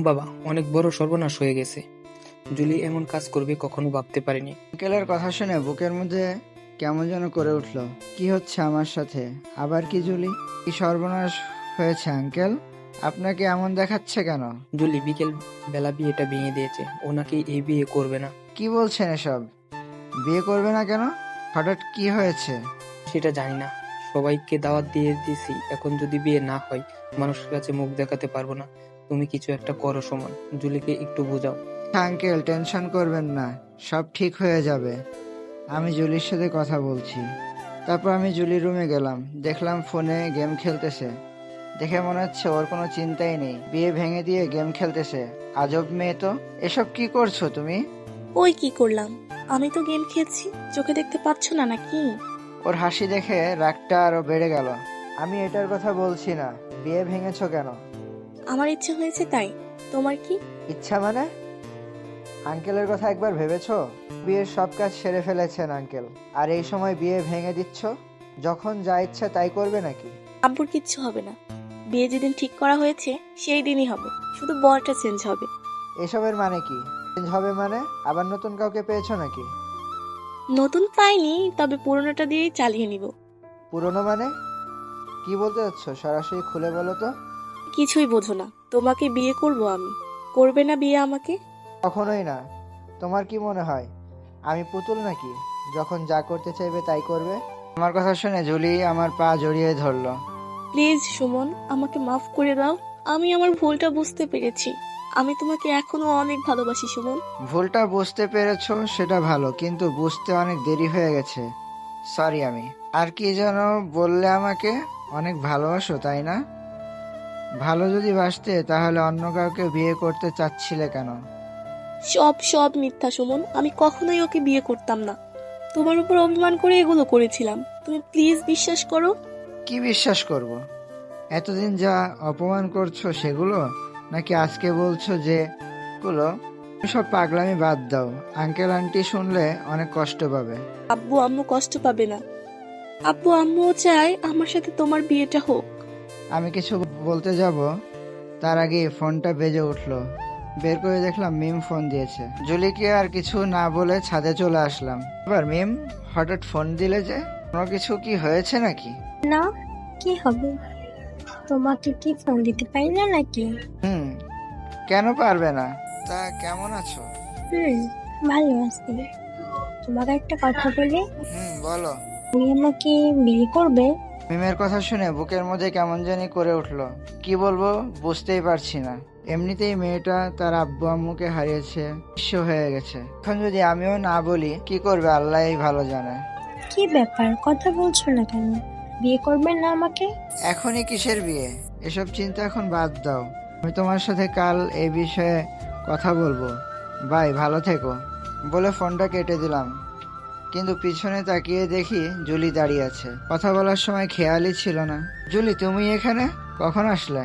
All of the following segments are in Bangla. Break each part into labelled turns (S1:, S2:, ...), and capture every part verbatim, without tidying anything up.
S1: বাবা, অনেক বড় সর্বনাশ হয়ে গেছে। জুলি এমন কাজ করবে কখনো ভাবতে পারিনি।
S2: আঙ্কেলের কথা শুনে বুকের মধ্যে কেমন যেন করে উঠল। কি হচ্ছে আমার সাথে? আবার কি জুলি? কি সর্বনাশ হয়েছে আঙ্কেল? আপনাকে এমন দেখাচ্ছে কেন?
S1: জুলি বিকেল বেলা বিয়েটা ভেঙে দিয়েছে। ও নাকি এই বিয়ে করবে না।
S2: কি বলছেন এসব? বিয়ে করবে না কেন? হঠাৎ কি হয়েছে?
S1: সেটা জানি না। সবাইকে দাওয়াত দিয়ে দিছি, এখন যদি বিয়ে না হয় মানুষের কাছে মুখ দেখাতে পারবো না। তুমি কিছু একটা করো সুমন, জুলিকে একটু বোঝাও।
S2: আঙ্কেল টেনশন করবেন না, সব ঠিক হয়ে যাবে। আমি জুলির সাথে কথা বলছি। তারপর আমি জুলির রুমে গেলাম, দেখলাম ফোনে গেম খেলতেছে। দেখে মনে হচ্ছে ওর কোনো চিন্তাই নেই, বিয়ে ভেঙে দিয়ে গেম খেলতেছে। আজব মেয়ে তো। এসব কি করছো তুমি?
S3: ওই কি করলাম? আমি তো গেম খেলছি, চোখে দেখতে পাচ্ছ না নাকি?
S2: ওর হাসি দেখে রাগটা আরো বেড়ে গেল। আমি এটার কথা বলছি না। বিয়ে ভেঙেছো কেন?
S3: আমার ইচ্ছে হয়েছে তাই। তোমার কি?
S2: ইচ্ছা মানে? আঙ্কেলের কথা একবার ভেবেছো? বিয়ের সব কাজ সেরে ফেলেছেন আঙ্কেল, আর এই সময় বিয়ে ভেঙে দিচ্ছ? যখন যা ইচ্ছা তাই করবে নাকি?
S3: আব্বুর কিচ্ছু হবে না। বিয়ে যেদিন ঠিক করা হয়েছে সেই দিনই হবে, শুধু বরটা চেঞ্জ হবে।
S2: এসবের মানে কি? চেঞ্জ হবে মানে? আবার নতুন কাউকে পেয়েছো নাকি?
S3: নতুন পাইনি, তবে পুরোনোটা দিয়েই চালিয়ে নিব।
S2: পুরনো মানে? কি বলতে চাচ্ছ? সরাসরি খুলে বলো তো।
S3: কিছুই বোঝো না। তোমাকে বিয়ে করব আমি। করবে না বিয়ে আমাকে?
S2: কখনোই না। তোমার কি মনে হয় আমি পুতুল নাকি? যখন যা করতে চাইবে তাই করবে। আমার কথা শুনে জুলি আমার পা জড়িয়ে ধরলো।
S3: প্লিজ সুমন, আমাকে মাফ করে দাও। আমি আমার ভুলটা বুঝতে পেরেছি। আমি তোমাকে এখনো অনেক ভালোবাসি সুমন।
S2: ভুলটা বুঝতে পেরেছো সেটা ভালো, কিন্তু বুঝতে অনেক দেরি হয়ে গেছে। সরি আমি। আর কি যেন বললে আমাকে অনেক ভালোবাসো তাই না? ভালো যদি বাসতে তাহলে অন্য কাউকে বিয়ে করতে চাচ্ছিলে কেন?
S3: সব সব মিথ্যা সুমন। আমি কখনোই ওকে বিয়ে করতাম না। তোমার উপর অভিমান করে এগুলো করেছিলাম। তুমি প্লিজ বিশ্বাস করো।
S2: কি বিশ্বাস করব? এতদিন যা অপমান করছো সেগুলো, নাকি আজকে বলছো যে গুলো? সব পাগলামি বাদ দাও। আঙ্কেল আন্টি শুনলে অনেক কষ্ট পাবে।
S3: আব্বু আম্মু কষ্ট পাবে না। আব্বু আম্মুও চায় আমার সাথে তোমার বিয়েটা হোক।
S2: আমি কিছু বলতে যাব, তার আগে ফোনটা বেজে উঠলো। বের করে দেখলাম মিম ফোন দিয়েছে। জুলিকে আর কিছু না বলে ছাদে চলে আসলাম। এবার মিম, হঠাৎ ফোন দিলে যে? কোনো কিছু কি হয়েছে নাকি?
S4: না, কি হবে? তোমাকে কি ফোন দিতে পারি না নাকি?
S2: হুম, কেন পারবে না? তা কেমন আছো?
S4: হুম, ভালো আছি। তোমাকে একটা কথা বলি,
S2: হুম, বলো।
S4: তুমি আমাকে বিয়ে করবে?
S2: মিমের কথা শুনে বুকের মধ্যে কেমন জানি করে উঠলো। কি বলবো বুঝতেই পারছি না। এমনিতেই মেয়েটা তার আব্বু আম্মুকে হারিয়েছে, নিঃস্ব হয়ে গেছে। এখন যদি আমিও না বলি কি করবে আল্লাহই ভালো জানে।
S4: কি ব্যাপার, কথা বলছো না কেন? বিয়ে করবে না আমাকে?
S2: এখনই কিসের বিয়ে? এসব চিন্তা এখন বাদ দাও। আমি তোমার সাথে কাল এই বিষয়ে কথা বলবো। বাই, ভালো থেকো। বলে ফোনটা কেটে দিলাম। কিন্তু পিছনে তাকিয়ে দেখি জুলি দাঁড়িয়ে আছে। কথা বলার সময় খেয়ালই ছিল না। জুলি, তুমি এখানে কখন আসলে?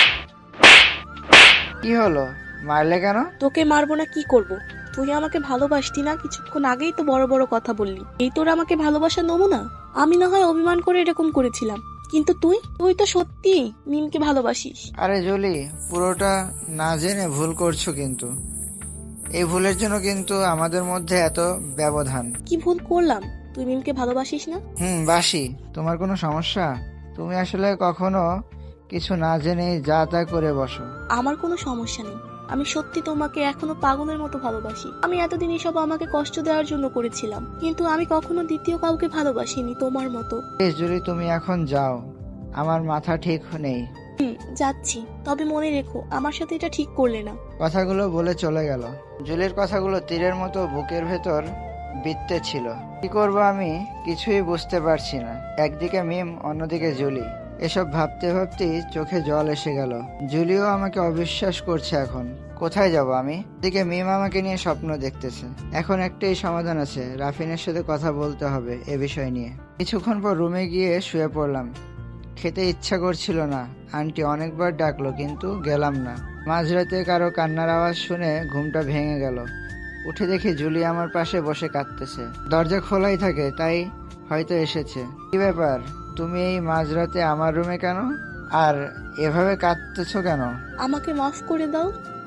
S2: কি হলো, মারলে কেন?
S3: তোকে মারবো না কি করব? তুই আমাকে ভালোবাসতি না? কিছুক্ষণ আগেই তো বড় বড় কথা বললি। এই তোর আমাকে ভালোবাসার নমুনা? আমি না হয় অভিমান করে এরকম করেছিলাম, কিন্তু তুই তুই তো সত্যি মিমকে ভালোবাসিস।
S2: আরে জুলি, পুরোটা না জেনে ভুল করছো কিন্তু। এই ভুলের জন্য কিন্তু আমাদের মধ্যে এত ব্যবধান।
S3: কি ভুল করলাম? তুই মিমকে ভালোবাসিস না?
S2: হুম, বাসি। তোমার কোনো সমস্যা? তুমি আসলে কখনো কিছু না জেনে যা তা করে বসো।
S3: আমার কোনো সমস্যা নেই। আমি সত্যি তোমাকে এখনো পাগলের মতো ভালোবাসি। আমি এতদিন এসব আমাকে কষ্ট দেওয়ার জন্য করেছিলাম, কিন্তু আমি কখনো দ্বিতীয় কাউকে ভালোবাসিনি তোমার মতো।
S2: প্লিজ জুলি, তুমি এখন যাও। আমার মাথা ঠিক নেই।
S3: হুম, যাচ্ছি। তবে মনে রেখো, আমার সাথে এটা ঠিক করলে না।
S2: কথাগুলো বলে চলে গেল। জুলির কথাগুলো তীরের মতো বুকের ভেতর বিঁধতে ছিল। কি করব আমি কিছুই বুঝতে পারছি না। একদিকে মিম, অন্যদিকে জুলি। এসব ভাবতে ভাবতেই চোখে জল এসে গেল। জুলিও আমাকে অবিশ্বাস করছে এখন। কোথায় যাব আমি? এদিকে মিম আমাকে নিয়ে স্বপ্ন দেখতেছে। এখন একটাই সমাধান আছে, রাফিনের সাথে কথা বলতে হবে এ বিষয় নিয়ে। কিছুক্ষণ পর রুমে গিয়ে শুয়ে পড়লাম। খেতে ইচ্ছা করছিল না। আন্টি অনেকবার ডাকলো কিন্তু গেলাম না। মাঝরাতে কারো কান্নার আওয়াজ শুনে ঘুমটা ভেঙে গেল। উঠে দেখি জুলি আমার পাশে বসে কাঁদতেছে। দরজা খোলাই থাকে, তাই হয়তো এসেছে। কি ব্যাপার, তুমি এই মাঝরাতে আমার রুমে কেন? আর এভাবে কাঁদতেছো কেন?
S3: আমাকে মাফ করে দাও।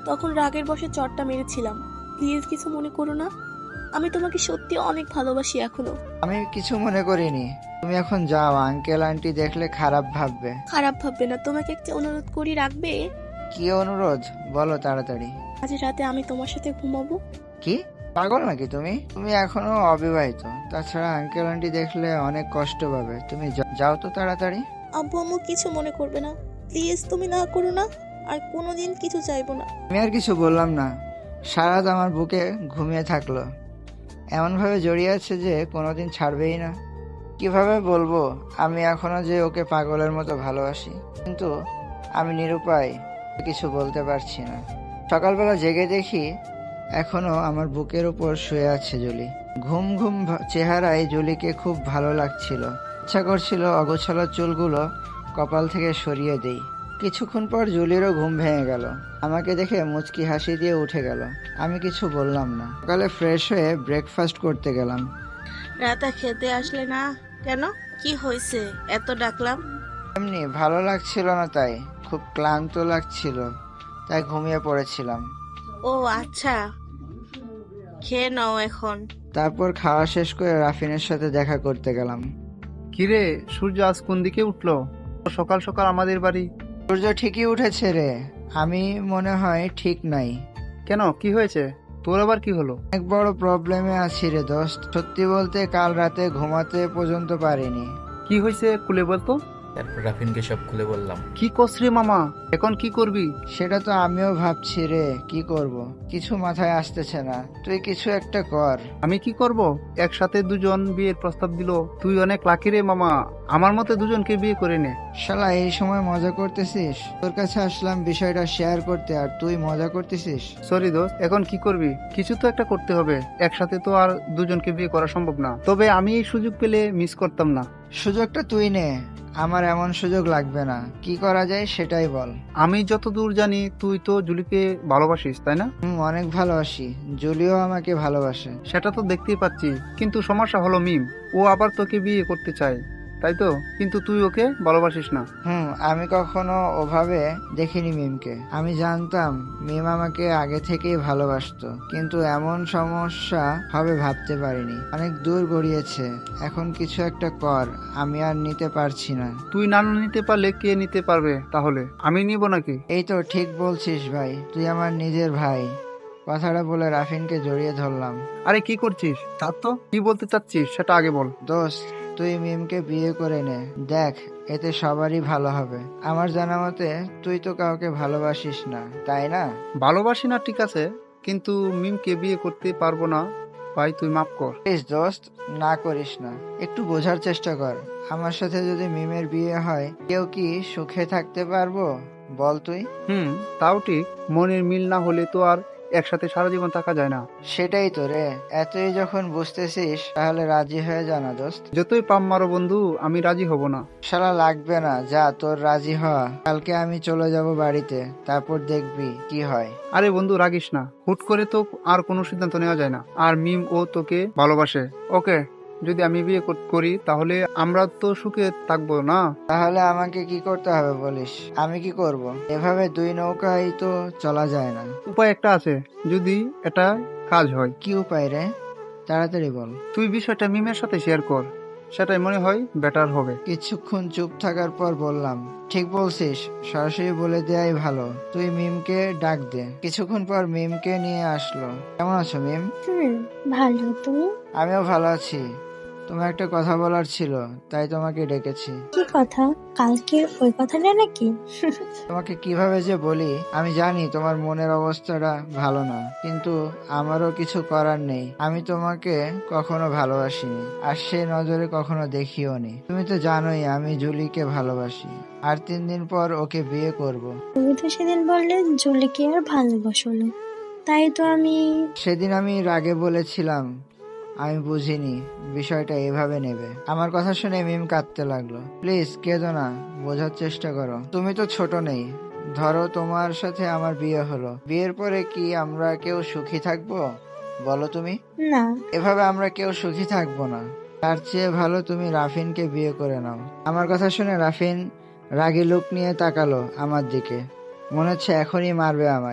S3: তখন রাগের বশে চটটা মেরেছিলাম। প্লিজ কিছু মনে করো না, আমি তোমাকে সত্যি অনেক ভালোবাসি এখনো।
S2: আমি কিছু মনে করিনি। তুমি এখন যাও, আঙ্কেল আন্টি দেখলে খারাপ ভাববে।
S3: খারাপ ভাববে না, তোমাকে একটা অনুরোধ করি, রাখবে?
S2: কি অনুরোধ বলো তাড়াতাড়ি।
S3: আজ রাতে আমি তোমার সাথে ঘুমাবো।
S2: কি পাগল নাকি তুমি? তুমি এখনো অবিবাহিত, তাছাড়া আঙ্কেল আন্টি দেখলে অনেক কষ্ট পাবে। তুমি যা- যাও তো তাড়াতাড়ি।
S3: আব্বু আম্মু কিছু মনে করবে না, প্লিজ তুমি না করো না, আর কোনোদিন কিছু চাইবো না।
S2: আমি আর কিছু বললাম না। সারাত আমার বুকে ঘুমিয়ে থাকলো, এমনভাবে জড়িয়ে আছে যে কোনোদিন ছাড়বেই না। কিভাবে বলবো আমি এখনো যে ওকে পাগলের মতো ভালোবাসি, কিন্তু আমি নিরুপায়, কিছু বলতে পারছি না। সকালবেলা জেগে দেখি এখনো আমার বুকের উপর শুয়ে আছে জুলি। ঘুম ঘুম ভা- চেহারায় জুলিকে খুব ভালো লাগছিল। ইচ্ছা করছিল অগোছালো চুলগুলো কপাল থেকে সরিয়ে দেই। কিছুক্ষণ পর জুলিরও ঘুম ভেঙে গেল। আমাকে দেখে মুচকি হাসি দিয়ে উঠে গেল। আমি কিছু বললাম না। সকালে ফ্রেশ হয়ে ব্রেকফাস্ট করতে গেলাম।
S5: রাতে খেতে আসলে না কেন? কি হয়েছে এত ডাকলাম?
S2: এমনি ভালো লাগছিল না, তাই খুব ক্লান্ত লাগছিল, তাই ঘুমিয়ে পড়েছিলাম।
S5: ও আচ্ছা, খেয়ে নাও এখন।
S2: তারপর খাওয়া শেষ করে রাফিনের সাথে দেখা করতে গেলাম।
S6: কিরে, সূর্য আজ কোন দিকে উঠলো সকাল সকাল আমাদের বাড়ি?
S2: সূর্য ঠিকই উঠেছে রে, আমি মনে হয় ঠিক নাই।
S6: কেন, কি হয়েছে? তোর আবার কি হলো?
S2: অনেক বড় প্রবলেমে আছি রে দোস্ত। সত্যি বলতে কাল রাতে ঘুমাতে পর্যন্ত পারিনি।
S6: কি হয়েছে খুলে বলতো।
S7: তারপর রাফিনকে সব খুলে বললাম।
S6: কি করছ রে মামা, এখন কি করবি?
S2: সেটা তো আমিও ভাবছি রে, কি করব কিছু মাথায় আসতেছে না। তুই কিছু একটা কর।
S6: আমি কি করব? একসাথে দুজন বিয়ের প্রস্তাব দিল। তুই অনেক লাকি রে মামা, আমার মতে দুজনকে বিয়ে করে নে।
S2: শালা এই সময় মজা করতেছিস? তোর কাছে আসলাম বিষয়টা শেয়ার করতে, আর তুই মজা করতেছিস।
S6: সরি দোস্ত, এখন কি করবি? কিছু তো একটা করতে হবে। একসাথে তো আর দুজনকে বিয়ে করা সম্ভব না, তবে আমি এই সুযোগ পেলে মিস করতাম না।
S2: সুযোগটা তুই নে, আমার এমন সুযোগ লাগবে না। কি করা যায় সেটাই বল।
S6: আমি যতদূর জানি তুই তো জুলিকে ভালোবাসিস, তাই না?
S2: হুম, অনেক ভালোবাসি। জুলিও আমাকে ভালোবাসে।
S6: সেটা তো দেখতেই পাচ্ছি, কিন্তু সমস্যা হলো মিম, ও আবার তোকে বিয়ে করতে চায়, তাই তো? কিন্তু তুই ওকে ভালোবাসিস না।
S2: হুম, আমি কখনো ওভাবে দেখিনি মিমকে। আমি জানতাম মিম আমাকে আগে থেকেই ভালোবাসতো, কিন্তু এমন সমস্যা হবে ভাবতে পারিনি। অনেক দূর গড়িয়েছে, এখন কিছু একটা কর, আমি আর নিতে পারছি না।
S6: তুই না নিতে পারলে কে নিতে পারবে তাহলে? আমি নিব নাকি?
S2: এই তো ঠিক বলছিস ভাই, তুই আমার নিজের ভাই। কথাটা বলে রাফিনকে জড়িয়ে ধরলাম।
S6: আরে কি করছিস? তার তো কি বলতে চাচ্ছিস সেটা আগে বল।
S2: দোস্ত, তুই মিমকে বিয়ে করে নে, দেখ এতে সবারই ভালো হবে। আমার জানা মতে তুই তো কাউকে ভালোবাসিস না, তাই না?
S6: ভালোবাসি না ঠিক আছে, কিন্তু মিমকে বিয়ে করতে পারবো না ভাই, তুই মাফ কর।
S2: প্লিজ দোস্ত, না করিস না। একটু বোঝার চেষ্টা কর। আমার সাথে যদি মিমের বিয়ে হয়, কেউ কি সুখে থাকতে পারবো বল তুই?
S6: হুম, তাও ঠিক। মনের মিল না হলে তো আর একসাথে সারা জীবন থাকা যায় না।
S2: সেটাই তো রে, এতই যখন বুঝতেছিস তাহলে রাজি হয়ে জানা দোস্ত।
S6: যতই পাম মারো বন্ধু, আমি রাজি হব না।
S2: শালা লাগবে না, যা তোর রাজি হওয়া। কালকে আমি চলে যাব বাড়িতে, তারপর দেখবি কি হয়।
S6: আরে বন্ধু রাগিস না, হুট করে তো আর কোনো সিদ্ধান্ত নেওয়া যায় না। আর মিম ও তোকে ভালোবাসে। ওকে, যদি আমি বিয়ে কর- করি তাহলে আমরা তো সুখে থাকবো না?
S2: তাহলে আমাকে কি করতে হবে বলিস? আমি কি করব? এভাবে দুই নৌকায় তো চলা যায় না।
S6: উপায় একটা আছে, যদি এটা কাজ হয়।
S2: কি উপায় রে? তাড়াতাড়ি বল।
S6: তুই বিষয়টা মিমের সাথে শেয়ার কর, সেটাই মনে হয় বেটার হবে।
S2: কিছুক্ষণ চুপ থাকার পর বললাম, ঠিক বলছিস, সরাসরি বলে দেয়াই ভালো। তুই মিমকে ডাক দে। কিছুক্ষণ পর মিমকে নিয়ে আসলো। কেমন আছো মিম?
S4: হুম, ভালো। তুমি?
S2: আমিও ভালো আছি। তোমার একটা কথা বলার ছিল, তাই তোমাকে ডেকেছি।
S4: কি কথা? কালকে ওই কথাটা নাকি?
S2: তোমাকে কিভাবে যে বলি, আমি জানি তোমার মনের অবস্থাটা ভালো না, কিন্তু আমারও কিছু করার নেই। আমি তোমাকে কখনো ভালোবাসিনি, আর সে নজরে কখনো দেখিও নি। তুমি তো জানোই আমি জুলিকে ভালোবাসি, আর তিন দিন পর ওকে বিয়ে করব।
S4: তুমি তো সেদিন বললে জুলিকে আর ভালোবাসো না, তাই তো আমি।
S2: সেদিন আমি রাগে বলেছিলাম, আমি বুঝিনি বিষয়টা এভাবে নেবে। আমার কথা শুনে মিম কাঁদতে লাগলো। প্লিজ কেঁদো না, বোঝার চেষ্টা করো। তুমি তো ছোট নেই। ধরো তোমার সাথে আমার বিয়ে হলো, বিয়ের পরে কি আমরা কেউ সুখী থাকবো বলো তুমি?
S4: না।
S2: এভাবে আমরা কেউ সুখী থাকবো না। তার চেয়ে ভালো তুমি রাফিনকে বিয়ে করে নাও। আমার কথা শুনে রাফিন রাগী লুক নিয়ে তাকালো আমার দিকে, মনে হচ্ছে এখনই মারবে আমায়।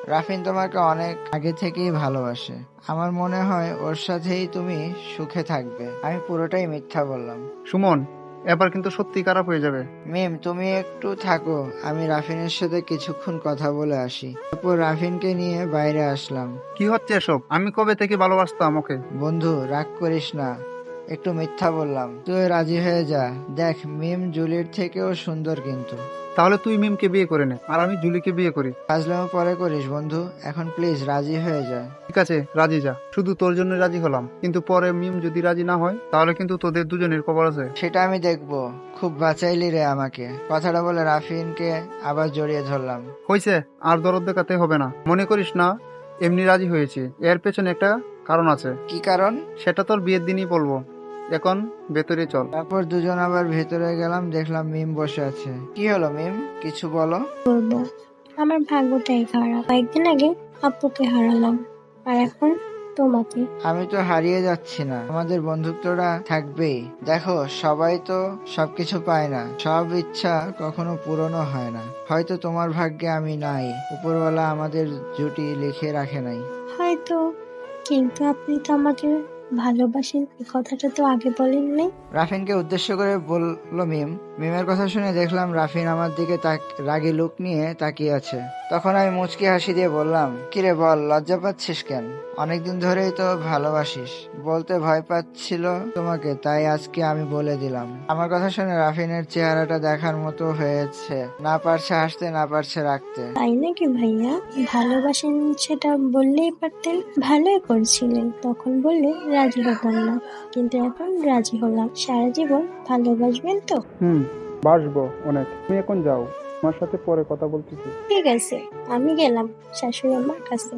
S2: রাফিন তোমাকে অনেক আগে থেকেই ভালোবাসে। আমার মনে হয় ওর সাথেই তুমি সুখে থাকবে। আমি পুরোটাই মিথ্যা বললাম।
S6: সুমন, এবার কিন্তু সত্যি খারাপ হয়ে যাবে।
S2: মিম, তুমি একটু থাকো, আমি রাফিনের সাথে কিছুক্ষণ কথা বলে আসি। তারপর রাফিনকে নিয়ে বাইরে আসলাম।
S6: কি হচ্ছে এসব? আমি কবে থেকে ভালোবাসতাম ওকে।
S2: বন্ধু, রাগ করিস না, একটু মিথ্যা বললাম, তুই রাজি হয়ে যা। দেখ, মিম জুলির থেকেও সুন্দর কিন্তু।
S6: তাহলে তুই মিমকে বিয়ে করে নে, আর আমি জুলিকে বিয়ে করি।
S2: ফাজলামো পরে করিস বন্ধু, এখন প্লিজ রাজি হয়ে যা।
S6: ঠিক আছে, রাজি যা। শুধু তোর জন্য রাজি হলাম, কিন্তু পরে মিম যদি রাজি না হয় তাহলে কিন্তু তোদের দুজনের খবর আছে।
S2: সেটা আমি দেখবো। খুব বাঁচাইলি রে আমাকে। কথাটা বলে রাফিনকে আবার জড়িয়ে ধরলাম।
S6: হয়েছে, আর দরদ দেখাতে হবে না। মনে করিস না এমনি রাজি হয়েছি, এর পেছনে একটা কারণ আছে।
S2: কি কারণ?
S6: সেটা তোর বিয়ের দিনই বলবো। এখন ভেতরে চল।
S2: তারপর দুজন আবার ভেতরে গেলাম, দেখলাম মিম বসে আছে। কি হলো মিম, কিছু বলো।
S4: করবো, আমার ভাগ্যটাই খারাপ। কয়েকদিন আগে আপুকে হারালাম, আর এখন তোমাকে।
S2: আমি তো হারিয়ে যাচ্ছি না, আমাদের বন্ধুত্বটা থাকবেই। দেখো, সবাই তো সবকিছু পায় না, সব ইচ্ছা কখনো পূরণও হয় না। হয়তো তোমার ভাগ্যে আমি নাই, উপরওয়ালা আমাদের জুটি লিখে রাখে নাই।
S4: হয়তো, কিন্তু আপনি তো আমাকে ভালোবাসেন, এই কথাটা তো আগে বলেননি।
S2: রাফিনকে উদ্দেশ্য করে বলল মিম। মিমের কথা শুনে দেখলাম রাফিন আমার দিকে তাক- রাগী লুক নিয়ে তাকিয়ে আছে। তখন আমি মুচকি হাসি দিয়ে বললাম, কিরে বল, লজ্জা পাচ্ছিস কেন? অনেকদিন ধরেই তো ভালোবাসিস, বলতে ভয় পাচ্ছিল তোমাকে, তাই আজকে আমি বলে দিলাম। আমার কথা শুনে রাফিনের চেহারাটা দেখার মতো হয়েছে, না পারছে হাসতে, না পারছে রাখতে।
S4: তাই নাকি ভাইয়া? ভালোবাসেন সেটা বললেই পারতেন। ভালোই করছিলেন, তখন বললে রাজি হতাম না, কিন্তু এখন রাজি হলাম। সারা জীবন ভালোবাসবেন তো?
S6: হুম, বাসবো অনেক। তুমি এখন যাও, আমার সাথে পরে কথা বলতেছি।
S4: ঠিক আছে, আমি গেলাম শাশুড়ি আমার কাছে।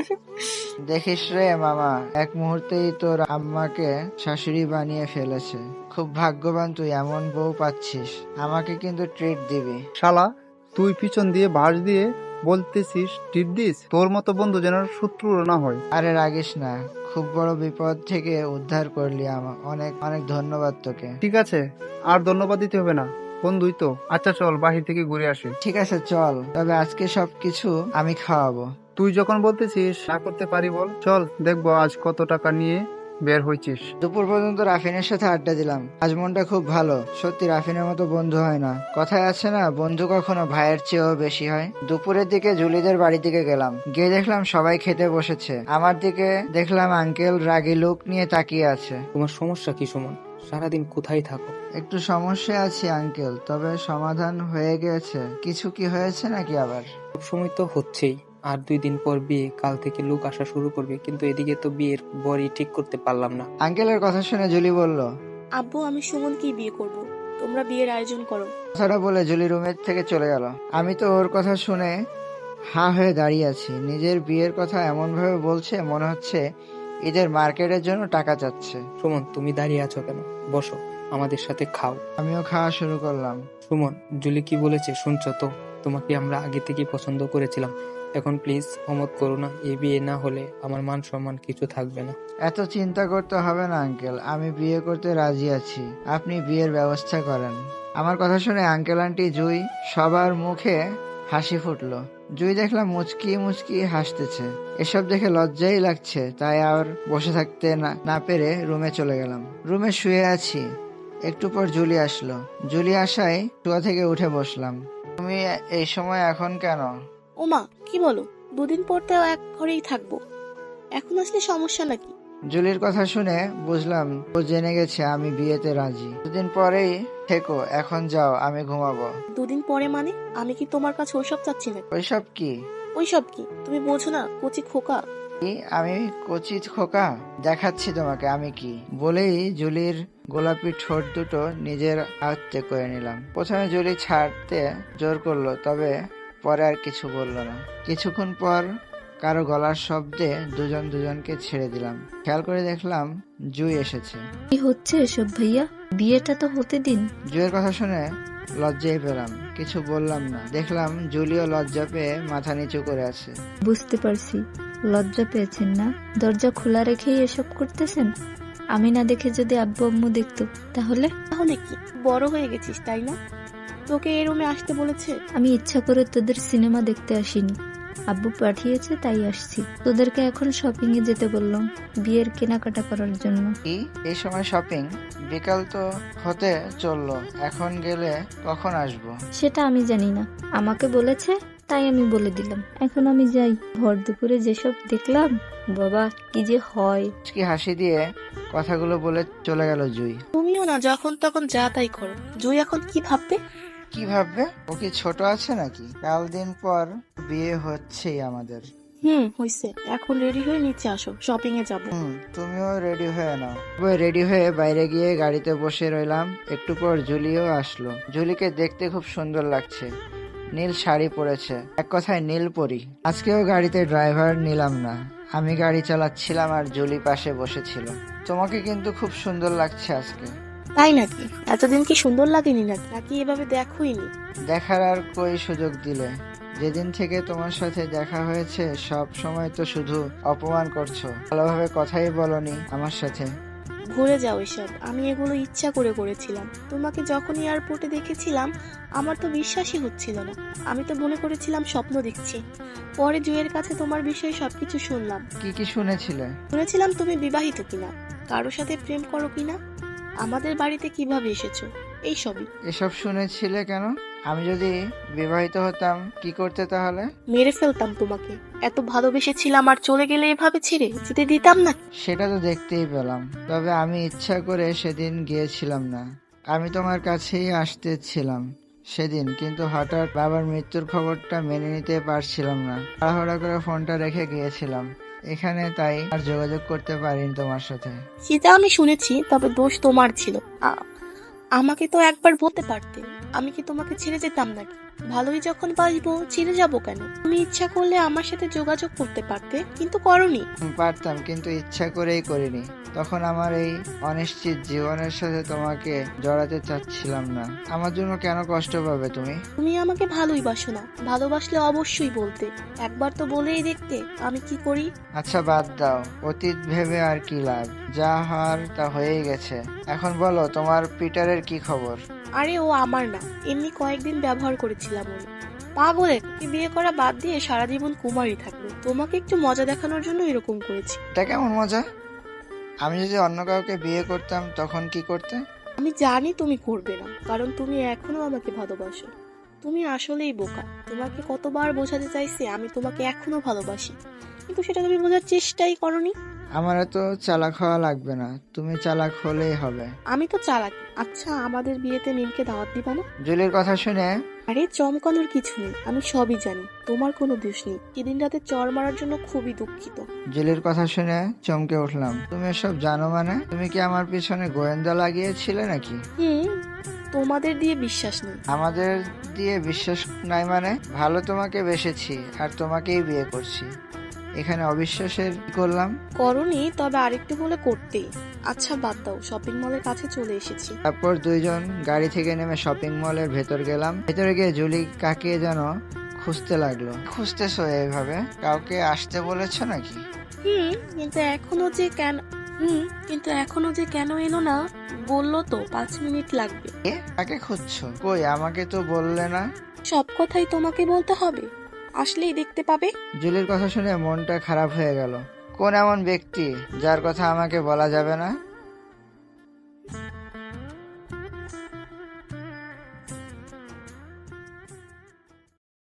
S2: দেখিস রে মামা, এক মুহূর্তেই তোর আম্মাকে শাশুড়ি বানিয়ে ফেলেছে। খুব ভাগ্যবান তুই, এমন বউ পাচ্ছিস। আমাকে কিন্তু ট্রিট দিবি।
S6: শালা, তুই পিছন দিয়ে বাস দিয়ে বলতেছিস টিপ দিস? তোর মতো বন্ধু যেন শত্রু না হয়।
S2: আরে রাগিস না, খুব বড় বিপদ থেকে উদ্ধার করলি আমার, অনেক অনেক ধন্যবাদ তোকে।
S6: ঠিক আছে, আর ধন্যবাদ দিতে হবে না, বন্ধুই তো। আচ্ছা চল, বাহির থেকে ঘুরে আসি।
S2: ঠিক আছে চল, তবে আজকে সবকিছু আমি খাওয়াবো।
S6: তুই যখন বলতেছিস না করতে পারি বল। চল, দেখবো আজ কত টাকা নিয়ে বের হয়েছিস।
S2: দুপুর পর্যন্ত রাফিনের সাথে আড্ডা দিলাম। আজ মনটা খুব ভালো। সত্যি রাফিনের মতো বন্ধু হয় না। কথায় আছে না, বন্ধু কখনো ভাইয়ের চেয়েও বেশি হয়। দুপুরের দিকে জুলিদের বাড়ি দিকে গেলাম। গিয়ে দেখলাম সবাই খেতে বসেছে। আমার দিকে দেখলাম আঙ্কেল রাগী লোক নিয়ে তাকিয়ে আছে।
S1: তোমার সমস্যা কি সুমন? সারাদিন কোথায় থাকো?
S2: একটু সমস্যা আছে আঙ্কেল, তবে সমাধান হয়ে গেছে। কিছু কি হয়েছে নাকি আবার?
S1: সবসময় তো হচ্ছেই। আর দুই দিন পর বিয়ে, কাল থেকে লোক আসা শুরু করবে, কিন্তু এদিকে তো বিয়ের বরই ঠিক করতে পারলাম না।
S2: আঙ্কেলের কথা শুনে জুলি বলল,
S3: আব্বু, আমি সুমনকেই বিয়ে করব। তোমরা বিয়ের আয়োজন করো।
S2: কথাটা বলে জুলি রুমের থেকে চলে গেল। আমি তো ওর কথা শুনে হা হয়ে দাঁড়িয়ে আছি। নিজের বিয়ের কথা এমন ভাবে বলছে, মনে হচ্ছে ঈদের মার্কেটের জন্য টাকা চাচ্ছে।
S1: সুমন, তুমি দাঁড়িয়ে আছো কেন? বসো, আমাদের সাথে খাও।
S2: আমিও খাওয়া শুরু করলাম।
S1: সুমন, জুলি কি বলেছে শুনছো তো? তোমাকে আমরা আগে থেকেই পছন্দ করেছিলাম। এখন প্লিজ অমত করো না। এই বিয়ে না হলে আমার মান সম্মান কিছু থাকবে না।
S2: এত চিন্তা করতে হবে না আঙ্কেল, আমি বিয়ে করতে রাজি আছি। আপনি বিয়ের ব্যবস্থা করেন। আমার কথা শুনে আঙ্কেল আন্টি জুই সবার মুখে হাসি ফুটলো। জুই দেখলাম মুচকি মুচকি হাসতেছে। এসব দেখে লজ্জাই লাগছে, তাই আর বসে থাকতে না না পেরে রুমে চলে গেলাম। রুমে শুয়ে আছি, একটু পর জুলি আসলো। জুলি আসায় শুয়া থেকে উঠে বসলাম। তুমি এই সময় এখন কেন?
S3: ওমা, কি বলো? দুদিন পর তো এক ঘরেই থাকবো, এখন আসলে সমস্যা নাকি?
S2: জুলির কথা শুনে বুঝলাম ও জেনে গেছে আমি বিয়েতে রাজি। দুদিন পরেই থেকো, এখন যাও, আমি ঘুমাবো।
S3: দুদিন পরে মানে? আমি কি তোমার কাছে ওইসব চাচ্ছি না?
S2: ওইসব কি?
S3: ওইসব কি তুমি বোঝো না, কচি খোকা।
S2: কি? আমি কচি খোকা? দেখাচ্ছি তোমাকে আমি কি। বলেই জুলির গোলাপি ঠোঁট দুটো নিজের আয়ত্তে করে নিলাম। প্রথমে জুলি ছাড়তে জোর করলো, তবে পরে আর কিছু বললো না। কিছুক্ষণ পর কারো গলার শব্দে দুজন দুজনকে ছেড়ে দিলাম। খেয়াল করে দেখলাম জুই এসেছে।
S8: কি হচ্ছে এসব ভাইয়া? বিয়েটা তো হতে দিন।
S2: জুইয়ের কথা শুনে লজ্জাই পেলাম, কিছু বললাম না। দেখলাম জুলিও লজ্জা পেয়ে মাথা নিচু করে আছে।
S8: বুঝতে পারছি, লজ্জা পেয়েছেন না? দরজা খোলা রেখেই এসব করতেছেন? আমি না দেখে যদি আব্বু আম্মু দেখতো তাহলে?
S3: তাহলে কি, বড় হয়ে গেছিস তাই না? তোকে এই রুমে আসতে বলেছে?
S8: আমি ইচ্ছা করে তোদের সিনেমা দেখতে আসিনি। আব্বু পাঠিয়েছে তাই আসছি। তোদেরকে এখন শপিং এ যেতে বললাম, বিয়ের কেনাকাটা করার জন্য।
S2: কি এই সময় শপিং? বিকাল তো হতে চললো, এখন গেলে কখন আসবো?
S8: সেটা আমি জানি না, আমাকে বলেছে তাই আমি বলে দিলাম। এখন আমি যাই। ভর দুপুরে যেসব দেখলাম, বাবা কি যে হয়।
S2: কি হাসি দিয়ে কথাগুলো বলে চলে গেল জুই।
S3: তুমিও না যখন তখন যা তাই করো। জুই এখন কি ভাববে?
S2: কি ভাববে? ও কি ছোট আছে নাকি? কাল দিন পর বিয়ে হচ্ছেই আমাদের।
S3: হুম, হইছে। এখন রেডি হয়ে নিচে আসো, শপিং এ যাবো।
S2: হুম, তুমিও রেডি হয়ে নাও। রেডি হয়ে বাইরে গিয়ে গাড়িতে বসে রইলাম। একটু পর জুলিও আসলো। জুলিকে দেখতে খুব সুন্দর লাগছে, নীল শাড়ি পরেছে, এক কথায় নীল পরি। আজকেও গাড়িতে ড্রাইভার নিলাম না, আমি গাড়ি চালাচ্ছিলাম আর জুলি পাশে বসেছিল। তোমাকে কিন্তু খুব সুন্দর লাগছে আজকে।
S3: তাই নাকি? এতদিন কি সুন্দর লাগেনি নাকি? নাকি এভাবে দেখোইনি?
S2: দেখার আর কই সুযোগ দিলে? যেদিন থেকে তোমার সাথে দেখা হয়েছে সব সময় তো শুধু অপমান করছো, ভালোভাবে কথাই বলনি আমার সাথে।
S3: ভুলে যাও এসব। আমি এগুলো ইচ্ছা করে করেছিলাম। তোমাকে যখন এয়ারপোর্টে দেখেছিলাম আমার তো বিশ্বাসই হচ্ছিল না। আমি তো মনে করেছিলাম স্বপ্ন দেখছি। পরে জুয়ের কাছে তোমার বিষয়ে সবকিছু শুনলাম।
S2: কি কি শুনেছিলে?
S3: শুনেছিলাম তুমি বিবাহিত কিনা, কারোর সাথে প্রেম করো কিনা, আমাদের বাড়িতে কিভাবে এসেছো, এই সবই।
S2: এসব শুনেছিলে কেন? আমি যদি বিবাহিত হতাম কি করতে তাহলে?
S3: মেরে ফেলতাম তোমাকে। এত ভালোবেসেছিলাম আর চলে গেলে এভাবে ছেড়ে যেতে দিতাম না।
S2: সেটা তো দেখতেই পেলাম, তবে আমি ইচ্ছা করে সেদিন গিয়েছিলাম না। আমি তোমার কাছেই আসতেছিলাম সেদিন, কিন্তু হঠাৎ বাবার মৃত্যুর খবরটা মেনে নিতে পারছিলাম না। তাড়াহুড়া করে ফোনটা রেখে গিয়েছিলাম এখানে, তাই আর যোগাযোগ করতে পারিনি তোমার সাথে।
S3: সেটা আমি শুনেছি, তবে দোষ তোমার ছিল। আ- আমাকে তো একবার বলতে পারতে। আমি কি তোমাকে ছেড়ে যেতাম নাকি? ভালোই যখন বাসবো ছেড়ে যাবো কেন? তুমি ইচ্ছা করলে আমার সাথে যোগাযোগ করতে পারতে, কিন্তু করনি।
S2: হুম, পারতাম, কিন্তু ইচ্ছা করেই করিনি। তখন আমার এই অনিশ্চিত জীবনের সাথে তোমাকে জড়াতে চাচ্ছিলাম না। আমার জন্য কেন কষ্ট পাবে তুমি?
S3: তুমি আমাকে ভালোই বাসো না। ভালোবাসলে অবশ্যই বলতে। একবার তো বলেই দেখতে আমি কি করি।
S2: আচ্ছা বাদ দাও, অতীত ভেবে আর কি লাভ? যা হওয়ার তা হয়েই গেছে। এখন বলো তোমার পিটারের কি খবর?
S3: আরে ও আমার না, এমনি কয়েকদিন ব্যবহার করেছিলাম ওর। পাগলের কি বিয়ে করা বাদ দিয়ে সারা জীবন কুমারী থাকলো। তোমাকে একটু মজা দেখানোর জন্য এরকম করেছি।
S2: এটা কেমন মজা? আমি যদি অন্য কাউকে বিয়ে করতাম তখন কি করতে?
S3: আমি জানি তুমি করবে না, কারণ তুমি এখনো আমাকে ভালোবাসো। তুমি আসলেই বোকা। তোমাকে কতবার বোঝাতে চাইছি আমি তোমাকে এখনো ভালোবাসি, কিন্তু সেটা তুমি বোঝার চেষ্টাই করনি।
S2: আমার এত চালাক হওয়া লাগবে না, তুমি চালাক হলেই হবে।
S3: আমি তো চালাক। আচ্ছা, আমাদের বিয়েতে মিমকে দাওয়াত দিবা না?
S2: জুলির কথা শুনে
S3: আরে চমকানোর কিছু নেই, আমি সবই জানি। তোমার কোনো দোষ নেই। সেদিন রাতে চর মারার জন্য খুবই দুঃখিত।
S2: জুলির কথা শুনে চমকে উঠলাম। তুমি এসব জানো মানে? তুমি কি আমার পিছনে গোয়েন্দা লাগিয়েছিলে নাকি?
S3: হুম, তোমাদের দিয়ে বিশ্বাস নেই।
S2: আমাদের দিয়ে বিশ্বাস নাই মানে? ভালো তোমাকে বেসেছি আর তোমাকেই বিয়ে করছি, এখানে অবিশ্বাসের কি করলাম?
S3: করনি, তবে আরেকটু বলে করতেই। আচ্ছা বাদ দাও, শপিং মলের কাছে চলে এসেছি।
S2: তারপর দুইজন গাড়ি থেকে নেমে শপিং মলের ভেতর গেলাম। ভেতরে গিয়ে জুলি কাকে যেন খুঁজতে লাগলো। খুঁজতেছো এইভাবে? কাউকে আসতে বলেছো নাকি?
S3: হুম, কিন্তু এখনো যে কেন হুম কিন্তু এখনো যে কেন এলো না বললো তো পাঁচ মিনিট লাগবে।
S2: এ, কাকে খুঁজছো? কই আমাকে তো বললে না।
S3: সব কথাই তোমাকে বলতে হবে? আসলেই দেখতে পাবে।
S2: জুলির কথা শুনে মনটা খারাপ হয়ে গেল। কোন এমন ব্যক্তি যার কথা আমাকে বলা যাবে না?